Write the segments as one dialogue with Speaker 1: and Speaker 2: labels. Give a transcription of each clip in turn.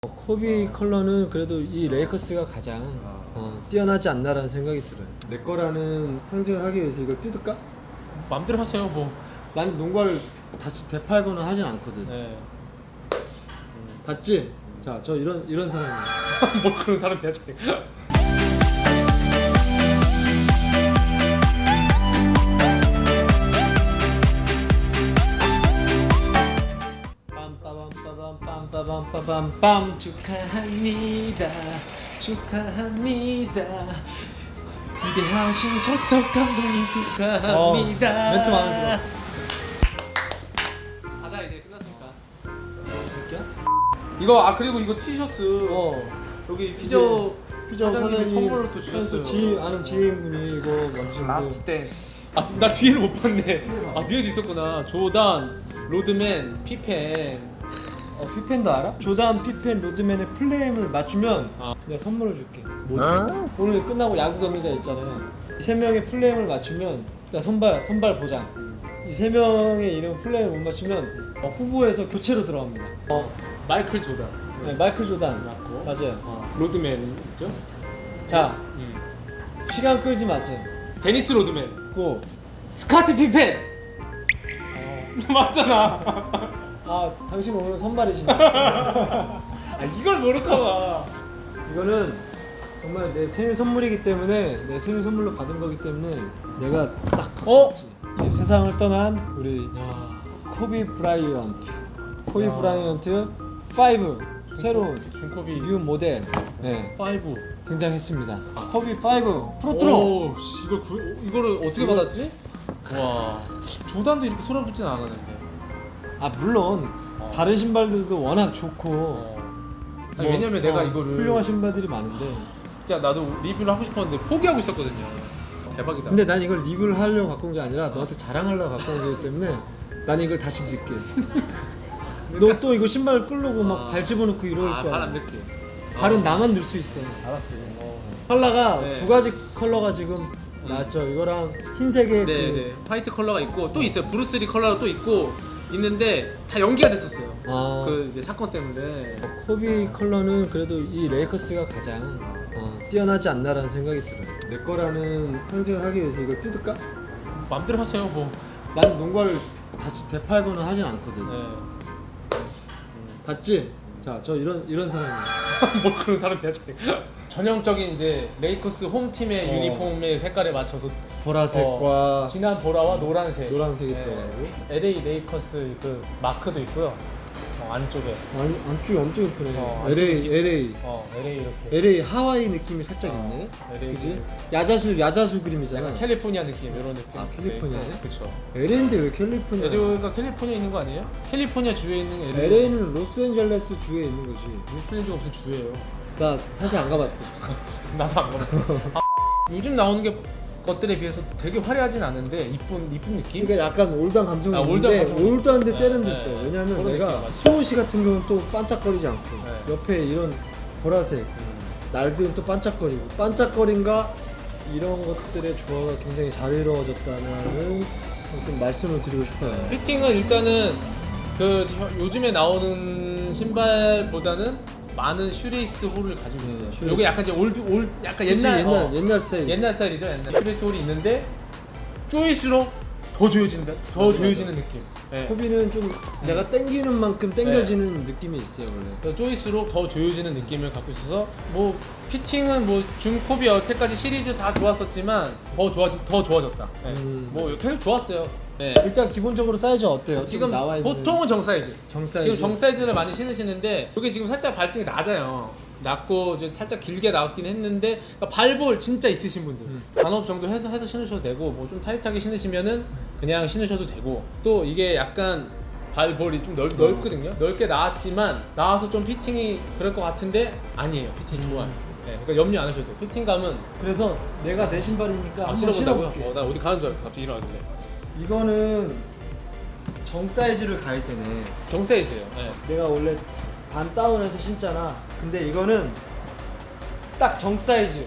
Speaker 1: 코비 컬러는 그래도 이 레이커스가 가장 뛰어나지 않나라는 생각이 들어요. 내 거라는 상징을 하기 위해서 이걸 뜯을까?
Speaker 2: 마음대로 하세요 뭐.
Speaker 1: 나는 농구를 다시 되팔거나 하진 않거든.
Speaker 2: 네.
Speaker 1: 봤지? 자, 저 이런 사람이에요.
Speaker 2: 뭐 그런 사람이야 쟤.
Speaker 1: 빰빠밤빠밤빰빠밤빠밤빰
Speaker 2: 축하합니다. 축하합니다. 위대하신 석석 감독님 축하합니다.
Speaker 1: 멘트 마음에
Speaker 2: 가자 이제 끝났으니까.
Speaker 1: 들어.
Speaker 2: 이거 그리고 이거 티셔츠 여기 피저
Speaker 1: 사장님이
Speaker 2: 선물로 또 주셨어요.
Speaker 1: 아는 지인분이 이거 만드신
Speaker 3: 라스트 댄스.
Speaker 2: 나 뒤에를 못 봤네. 뒤에도 있었구나. 조단, 로드맨, 피펜.
Speaker 1: 피펜도 알아? 조단, 피펜, 로드맨의 플레임을 맞추면 내가 선물을 줄게. 뭐지? 오늘 끝나고 야구 경기가 있잖아요. 세 명의 플레임을 맞추면 일단 선발 보장. 이 세 명의 이름 플레임을 못 맞추면 후보에서 교체로 들어갑니다.
Speaker 2: 마이클 조단.
Speaker 1: 네, 마이클 조단
Speaker 2: 맞고.
Speaker 1: 맞아요.
Speaker 2: 로드맨 있죠?
Speaker 1: 자, 시간 끌지 마세요.
Speaker 2: 데니스 로드맨.
Speaker 1: 고.
Speaker 2: 스카트 피펜. 맞잖아.
Speaker 1: 당신 오늘 선발이시네.
Speaker 2: 이걸 모를까봐.
Speaker 1: 이거는 정말 내 생일 선물이기 때문에 내 생일 선물로 받은 거기 때문에 내가 딱 갖고 왔지. 네, 세상을 떠난 우리 코비 브라이언트. 코비 브라이언트 5 새로운
Speaker 2: 준코비
Speaker 1: 뉴 모델 네,
Speaker 2: 5.
Speaker 1: 등장했습니다. 코비 5 프로트로.
Speaker 2: 오, 이거를 어떻게 받았지? 와, 조단도 이렇게 소름 돋진 않았는데.
Speaker 1: 물론 다른 신발들도 워낙 좋고
Speaker 2: 아니, 왜냐면 내가 이거를
Speaker 1: 훌륭한 신발들이 많은데
Speaker 2: 진짜 나도 리뷰를 하고 싶었는데 포기하고 있었거든요. 대박이다.
Speaker 1: 근데 난 이걸 리뷰를 하려고 갖고 온 게 아니라 너한테 자랑하려고 갖고 온 거기 때문에 난 이걸 다시 넣게. 너 또 이거 신발 끌려고 막 발 집어넣고 이럴 거야.
Speaker 2: 발안 넣게.
Speaker 1: 발은 나만 넣을 수 있어.
Speaker 2: 알았어.
Speaker 1: 컬러가
Speaker 2: 네.
Speaker 1: 두 가지 컬러가 지금 나왔죠. 이거랑 흰색의
Speaker 2: 네. 화이트 컬러가 있고 또 있어요. 브루스리 컬러가 또 있는데 다 연기가 됐었어요. 그 이제 사건 때문에.
Speaker 1: 코비 컬러는 그래도 이 레이커스가 가장 뛰어나지 않나라는 생각이 들어요. 내 거라는 상징을 하기 위해서 이걸 뜯을까?
Speaker 2: 마음대로 하세요 뭐.
Speaker 1: 나는 농구를 다시 되팔거나 하진 않거든.
Speaker 2: 네.
Speaker 1: 봤지? 자, 저 이런 사람이에요.
Speaker 2: 뭐 그런 사람이야 쟤. 전형적인 이제 레이커스 홈팀의 유니폼의 색깔에 맞춰서
Speaker 1: 보라색과
Speaker 2: 진한 보라와 노란색이
Speaker 1: 들어가고
Speaker 2: LA 레이커스 그 마크도 있고요. 안쪽에
Speaker 1: 안쪽이 엄청 예쁘네.
Speaker 2: 안쪽이
Speaker 1: LA
Speaker 2: LA 이렇게
Speaker 1: LA 하와이 느낌이 살짝 있네.
Speaker 2: LA
Speaker 1: 그지? 야자수 그림이잖아.
Speaker 2: 약간 캘리포니아 느낌 이런 느낌.
Speaker 1: 캘리포니아네?
Speaker 2: 그렇죠.
Speaker 1: LA인데 왜 캘리포니아?
Speaker 2: LA가 캘리포니아 있는 거 아니에요? 캘리포니아 주에 있는
Speaker 1: LA는 로스앤젤레스 주에 있는 거지.
Speaker 2: 로스앤젤레스 무슨 주예요?
Speaker 1: 나 사실 안 가봤어.
Speaker 2: 나도 안 가봤어. 요즘 나오는 것들에 비해서 되게 화려하진 않은데 이쁜 느낌?
Speaker 1: 그러니까 약간 올드한 감성이
Speaker 2: 올드한
Speaker 1: 있는데
Speaker 2: 감성이
Speaker 1: 올드한데
Speaker 2: 있어.
Speaker 1: 세련됐어.
Speaker 2: 네.
Speaker 1: 왜냐면
Speaker 2: 그런
Speaker 1: 내가
Speaker 2: 느낌 맞아.
Speaker 1: 수호 씨 같은 경우는 또 반짝거리지 않고
Speaker 2: 네.
Speaker 1: 옆에 이런 보라색 날들은 또 반짝거리고 반짝거림과 이런 것들의 조화가 굉장히 잘 이루어졌다는 좀 말씀을 드리고 싶어요.
Speaker 2: 피팅은 일단은 그 요즘에 나오는 신발보다는 많은 슈레이스 홀을 가지고 있어요.
Speaker 1: 슈레이스.
Speaker 2: 요게 약간 이제 약간
Speaker 1: 그치,
Speaker 2: 옛날
Speaker 1: 스타일.
Speaker 2: 옛날 스타일이죠. 옛날 슈레이스 홀이 있는데 조일수록 더 조여지는 느낌. 네.
Speaker 1: 코비는 좀 내가 땡기는 만큼 땡겨지는 느낌이 있어요 원래.
Speaker 2: 조일수록 더 조여지는 느낌을 갖고 있어서 뭐 피팅은 뭐 준코비 여태까지 시리즈 다 좋았었지만 더 좋아졌다. 네. 뭐 계속 좋았어요. 네.
Speaker 1: 일단 기본적으로 사이즈 어때요?
Speaker 2: 지금
Speaker 1: 나와 있는
Speaker 2: 보통은 정사이즈.
Speaker 1: 정사이즈.
Speaker 2: 지금 정사이즈를 많이 신으시는데 이게 지금 살짝 발등이 낮아요. 낮고 이제 살짝 길게 나왔긴 했는데 그러니까 발볼 진짜 있으신 분들 반업 정도 해서 신으셔도 되고 뭐 좀 타이트하게 신으시면은 그냥 신으셔도 되고 또 이게 약간 발볼이 좀 넓거든요. 넓게 나왔지만 나와서 좀 피팅이 그럴 것 같은데 아니에요. 피팅이 좋아요. 네, 그러니까 염려 안 하셔도 돼요. 피팅감은
Speaker 1: 그래서 내가 내 신발이니까 한번
Speaker 2: 신어본다고요?
Speaker 1: 신어볼게.
Speaker 2: 나 어디 가는 줄 알았어. 갑자기 일어나길래.
Speaker 1: 이거는 정 사이즈를 가야 되네.
Speaker 2: 정사이즈예요. 네.
Speaker 1: 내가 원래 반 다운해서 신잖아. 근데 이거는 딱 정 사이즈.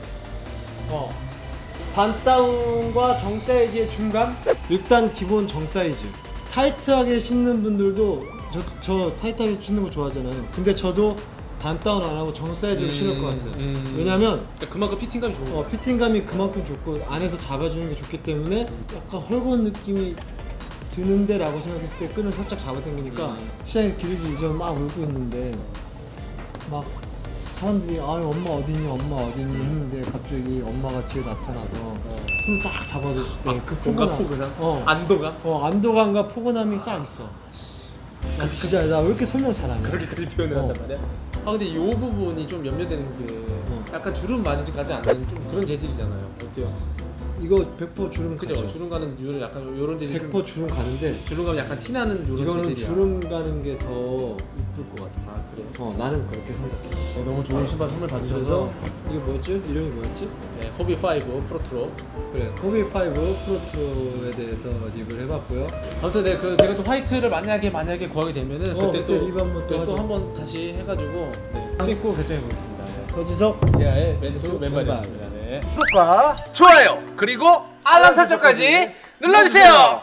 Speaker 1: 반 다운과 정 사이즈의 중간? 일단 기본 정 사이즈. 타이트하게 신는 분들도 저 타이트하게 신는 거 좋아하잖아요. 근데 저도 반 다운 안 하고 정 사이즈로 신을 것 같아요. 왜냐면
Speaker 2: 그러니까 그만큼 피팅감이 좋은 거야.
Speaker 1: 피팅감이 그만큼 좋고 안에서 잡아주는 게 좋기 때문에 약간 헐거운 느낌이 드는데 라고 생각했을 때 끈을 살짝 잡아당기니까 시장에 길이지 이전 막 울고 있는데 막 사람들이 엄마 어디니 엄마 어디니 했는데 갑자기 엄마가 뒤에 나타나서 손을 딱 잡아줬을 때 그
Speaker 2: 뭔가
Speaker 1: 포근함
Speaker 2: 포근함? 안도가?
Speaker 1: 안도감과 포근함이 싹 있어. 진짜 나 왜 이렇게 설명 잘하냐.
Speaker 2: 그렇게까지 표현을 한단 말이야? 근데 이 부분이 좀 염려되는 게 약간 주름 많이 가지 않는 좀 그런 재질이잖아요. 어때요?
Speaker 1: 이거 100% 주름
Speaker 2: 그죠?
Speaker 1: 가죠.
Speaker 2: 주름 가는 요런 약간 요런 재질
Speaker 1: 100% 주름 가는데
Speaker 2: 주름감이 약간 티나는 요런
Speaker 1: 이거는
Speaker 2: 재질이야.
Speaker 1: 주름 가는 게 더 이쁠 것 같아.
Speaker 2: 아 그래?
Speaker 1: 나는 그렇게 생각해.
Speaker 2: 네, 너무 좋은 신발 선물 받으셔서
Speaker 1: 이게 뭐였지? 이름이 뭐였지?
Speaker 2: 네, 코비 5 프로트로.
Speaker 1: 그래, 코비 5 프로트로에 대해서 리뷰를 해봤고요.
Speaker 2: 아무튼 네, 제가 또 화이트를 만약에 구하게 되면은 그때
Speaker 1: 그때
Speaker 2: 또
Speaker 1: 리뷰 한번 또 하죠.
Speaker 2: 한번 다시 해가지고 신고 결정해 보겠습니다. 네.
Speaker 1: 서지석
Speaker 2: 대하의 멘투 맨발이었습니다. 네.
Speaker 3: 구독과 좋아요 그리고 알람 설정까지 눌러주세요.